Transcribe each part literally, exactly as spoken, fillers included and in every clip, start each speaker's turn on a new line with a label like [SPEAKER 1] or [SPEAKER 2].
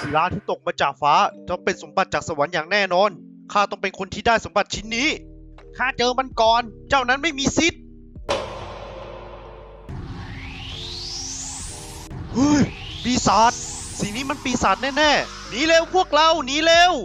[SPEAKER 1] ศิลาที่ตกมาจากฟ้าต้องเป็นสมบัติจากสวรรค์อย่างแน่นอนข้าต้องเป็นคนที่ได้สมบัติชิ้นนี้ข้าเจอมันก่อนเจ้านั้นไม่มีสิทธิ์เฮ้ยปีศาจสิ่งนี้มันปีศาจแน่ๆหนีเร็วพวกเราหนีเร็ว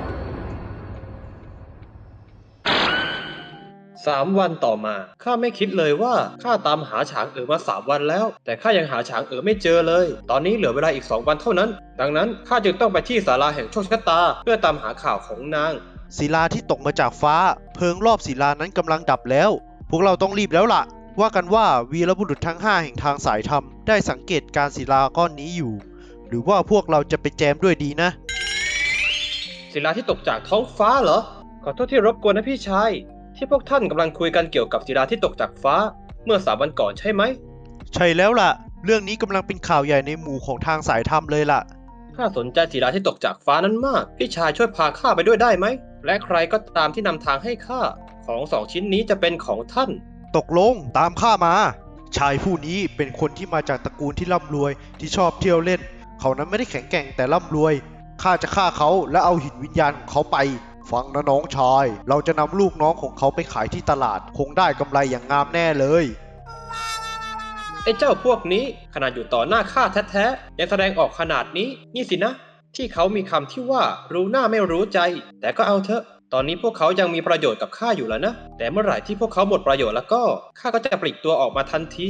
[SPEAKER 2] สามวันต่อมาข้าไม่คิดเลยว่าข้าตามหาฉางเอ๋อมาสามวันแล้วแต่ข้ายังหาฉางเอ๋อไม่เจอเลยตอนนี้เหลือเวลาอีกสองวันเท่านั้นดังนั้นข้าจึงต้องไปที่ศาลาแห่งโชคชะตาเพื่อตามหาข่าวของนาง
[SPEAKER 1] ศิลาที่ตกมาจากฟ้าเพลิงรอบศิลานั้นกำลังดับแล้วพวกเราต้องรีบแล้วล่ะว่ากันว่าวีรบุรุษทั้งห้าแห่งทางสายธรรมได้สังเกตการศิลาก้อนนี้อยู่หรือว่าพวกเราจะไปแจมด้วยดีนะ
[SPEAKER 2] ศิลาที่ตกจากท้องฟ้าเหรอขอโทษที่รบกวนนะพี่ชายที่พวกท่านกำลังคุยกันเกี่ยวกับศิลาที่ตกจากฟ้าเมื่อสามวันก่อนใช่ไหม
[SPEAKER 1] ใช่แล้วล่ะเรื่องนี้กำลังเป็นข่าวใหญ่ในหมู่ของทางสายธรรมเลยล่ะ
[SPEAKER 2] ข้าสนใจศิลาที่ตกจากฟ้านั้นมากพี่ชายช่วยพาข้าไปด้วยได้ไหมและใครก็ตามที่นำทางให้ข้าของสองชิ้นนี้จะเป็นของท่าน
[SPEAKER 1] ตกลงตามข้ามาชายผู้นี้เป็นคนที่มาจากตระกูลที่ร่ำรวยที่ชอบเที่ยวเล่นเขานั้นไม่ได้แข็งแกร่งแต่ร่ำรวยข้าจะฆ่าเขาและเอาหินวิญญาณของเขาไปฟังนะน้องชายเราจะนำลูกน้องของเขาไปขายที่ตลาดคงได้กำไรอย่างงามแน่เลย
[SPEAKER 2] ไอ้เจ้าพวกนี้ขนาดอยู่ต่อหน้าข้าแท้ๆยังแสดงออกขนาดนี้นี่สินะที่เขามีคำที่ว่ารู้หน้าไม่รู้ใจแต่ก็เอาเถอะตอนนี้พวกเขายังมีประโยชน์กับข้าอยู่แล้วนะแต่เมื่อไหร่ที่พวกเขาหมดประโยชน์แล้วก็ข้าก็จะปลีกตัวออกมาทันที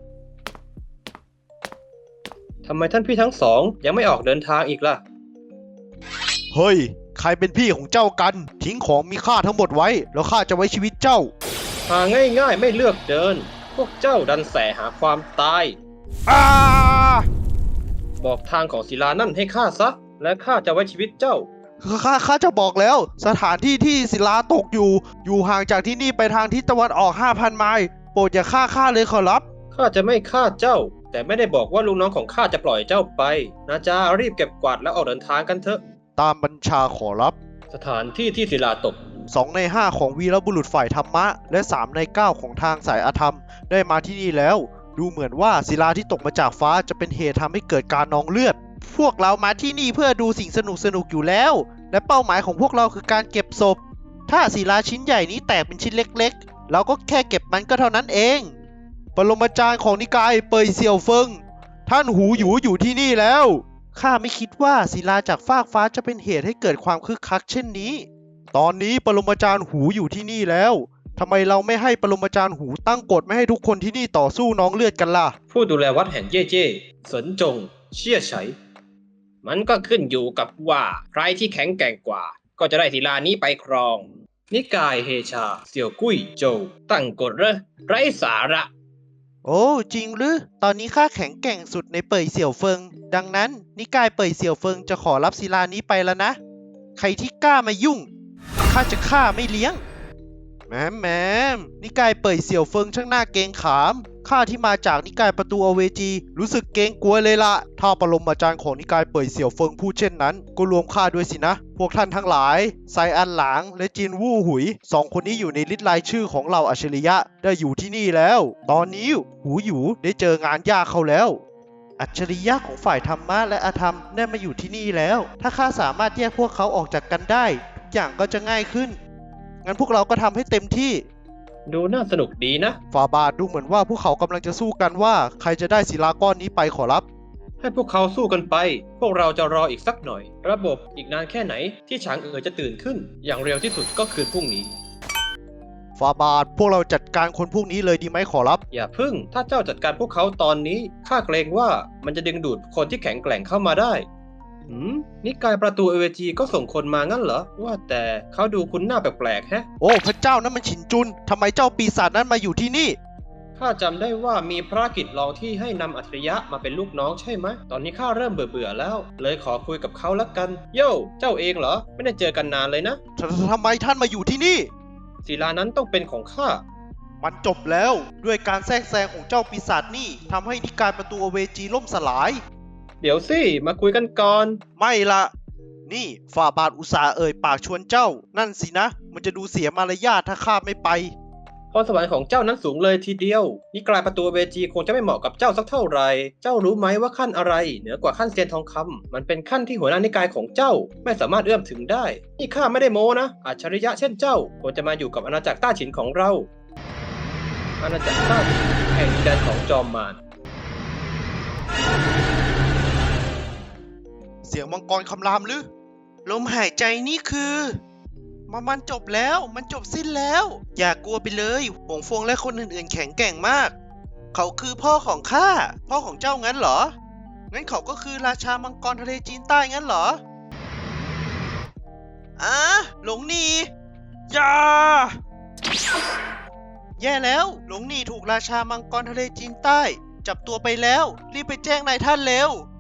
[SPEAKER 2] ทำไมท่านพี่ทั้งสองยังไม่ออกเดินทางอีกล่ะ
[SPEAKER 1] เฮ้ยใครเป็นพี่ของเจ้ากันทิ้งของมีค่าทั้งหมดไว้แล้วข้าจะไว้ชีวิตเจ้า
[SPEAKER 2] หาง่ายๆไม่เลือกเดินพวกเจ้าดันแสหาความตาย
[SPEAKER 1] อ้า
[SPEAKER 2] บอกทางของศิลานั่นให้ข้าซะและข้าจะไว้ชีวิตเจ้า
[SPEAKER 1] ข้าข้าจะบอกแล้วสถานที่ที่ศิลาตกอยู่อยู่ห่างจากที่นี่ไปทางทิศตะวันออก ห้าพัน ไมล์โปรดอย่าฆ่าข้าเลยขอรับ
[SPEAKER 2] ข้าจะไม่ฆ่าเจ้าแต่ไม่ได้บอกว่าลูกน้องของข้าจะปล่อยเจ้าไปนะจ๊ะรีบเก็บกวาดแล้วออกเดินทางกันเถอะ
[SPEAKER 1] ตามบัญชาขอรับ
[SPEAKER 2] สถานที่ที่ศิลาตก
[SPEAKER 1] สองในห้าของวีรบุรุษฝ่ายธรรมะและสามในเก้าของทางสายอธรรมได้มาที่นี่แล้วดูเหมือนว่าศิลาที่ตกมาจากฟ้าจะเป็นเหตุทำให้เกิดการนองเลือดพวกเรามาที่นี่เพื่อดูสิ่งสนุกสนุกอยู่แล้วและเป้าหมายของพวกเราคือการเก็บศพถ้าศิลาชิ้นใหญ่นี้แตกเป็นชิ้นเล็กๆเราก็แค่เก็บมันก็เท่านั้นเองปรมาจารย์ของนิกายเปยเซียวเฟิงท่านหูหยูอยู่ที่นี่แล้วข้าไม่คิดว่าศิลาจากฟากฟ้าจะเป็นเหตุให้เกิดความคึกคักเช่นนี้ตอนนี้ปรมาจารย์หูอยู่ที่นี่แล้วทำไมเราไม่ให้ปรมาจารย์หูตั้งกฎไม่ให้ทุกคนที่นี่ต่อสู้น้องเลือดกันล่ะ
[SPEAKER 2] ผู้ดูแลวัดแห่งเย่เจ้เสินจงเชี่ยไฉมันก็ขึ้นอยู่กับว่าใครที่แข็งแกร่งกว่าก็จะได้ศิลานี้ไปครองนิกายเฮชาเสี่ยวกุ้ยโจวตั้งกฎเหรอไร้สาระ
[SPEAKER 1] โอ้จริงหรือตอนนี้ข้าแข็งแกร่งสุดในเป่ยเสี่ยวเฟิงดังนั้นนิกายเป่ยเสี่ยวเฟิงจะขอรับศิลานี้ไปแล้วนะใครที่กล้ามายุ่งข้าจะฆ่าไม่เลี้ยงแหมแหมนิกายเป่ยเสี่ยวเฟิงช่างน่าเกรงขามข้าที่มาจากนิกายประตูอเวจีรู้สึกเกรงกลัวเลยละถ้าปรมาจารย์ของนิกายเป่ยเสี่ยวเฟิงพูดเช่นนั้นก็รวมข้าด้วยสินะพวกท่านทั้งหลายไซอันหลางและจินวู่หุยสองคนนี้อยู่ในลิสต์รายชื่อของเราอัจฉริยะได้อยู่ที่นี่แล้วตอนนี้หูหยูได้เจองานยากเขาแล้วอัจฉริยะของฝ่ายธรรมะและอธรรมได้มาอยู่ที่นี่แล้วถ้าข้าสามารถแยกพวกเขาออกจากกันได้ทุกอย่างก็จะง่ายขึ้นงั้นพวกเราก็ทำให้เต็มที่
[SPEAKER 2] ดูน่าสนุกดีนะ
[SPEAKER 1] ฝ่าบาทดูเหมือนว่าพวกเขากำลังจะสู้กันว่าใครจะได้ศิลาก้อนนี้ไปขอรับ
[SPEAKER 2] ให้พวกเขาสู้กันไปพวกเราจะรออีกสักหน่อยระบบอีกนานแค่ไหนที่ฉางเอ๋อจะตื่นขึ้นอย่างเร็วที่สุดก็คือพรุ่งนี้
[SPEAKER 1] ฝ่าบาทพวกเราจัดการคนพวกนี้เลยดีไหมขอรับ
[SPEAKER 2] อย่าพึ่งถ้าเจ้าจัดการพวกเขาตอนนี้ข้าเกรงว่ามันจะดึงดูดคนที่แข็งแกร่งเข้ามาได้หืมนิกายประตูเอเวจีก็ส่งคนมางั้นเหรอว่าแต่เขาดูคุ้นหน้าแปลกๆแฮะ
[SPEAKER 1] โอ้พระเจ้านั้นมันฉินจุนทำไมเจ้าปีศาจนั้นมาอยู่ที่นี่
[SPEAKER 2] ข้าจำได้ว่ามีภารกิจรองที่ให้นำอัจฉริยะมาเป็นลูกน้องใช่ไหมตอนนี้ข้าเริ่มเบื่อๆแล้วเลยขอคุยกับเขาละกันโย่เจ้าเองเหรอไม่ได้เจอกันนานเลยนะ
[SPEAKER 1] ทำไมท่านมาอยู่ที่นี่
[SPEAKER 2] ศิลานั้นต้องเป็นของข้า
[SPEAKER 1] มันจบแล้วด้วยการแทรกแซงของเจ้าปีศาจนี่ทำให้นิกายประตูอเวจีล่มสลาย
[SPEAKER 2] เดี๋ยวสิมาคุยกันก่อน
[SPEAKER 1] ไม่ละนี่ฝ่าบาทอุตส่าห์เอ่ยปากชวนเจ้านั่นสินะมันจะดูเสียมารยาทถ้าข้าไม่ไป
[SPEAKER 2] พพรสวรรค์ของเจ้านั้นสูงเลยทีเดียวนิกายประตูเวจีคงจะไม่เหมาะกับเจ้าสักเท่าไหร่เจ้ารู้ไหมว่าขั้นอะไรเหนือกว่าขั้นเซียนทองคำมันเป็นขั้นที่หัวหน้านิกายของเจ้าไม่สามารถเอื้อมถึงได้นี่ข้าไม่ได้โม้นะอัจฉริยะเช่นเจ้าควรจะมาอยู่กับอาณาจักรต้าฉินของเราอาณาจักรต้าฉินแห่งดินแดนของจอมมาร
[SPEAKER 1] เสียงมังกรคำรามหรือลมหายใจนี่คือมันมันจบแล้วมันจบสิ้นแล้ว อย่ากลัวไปเลยหงฟงและคนอื่นๆแข็งแกร่งมาก เขาคือพ่อของข้าพ่อของเจ้างั้นเหรองั้นเขาก็คือราชามังกรทะเลจีนใต้งั้นเหรออ่ะหลงหนีอย่าแย่แล้วหลงหนีถูกราชามังกรทะเลจีนใต้จับตัวไปแล้วรีบไปแจ้งนายท่านเร็ว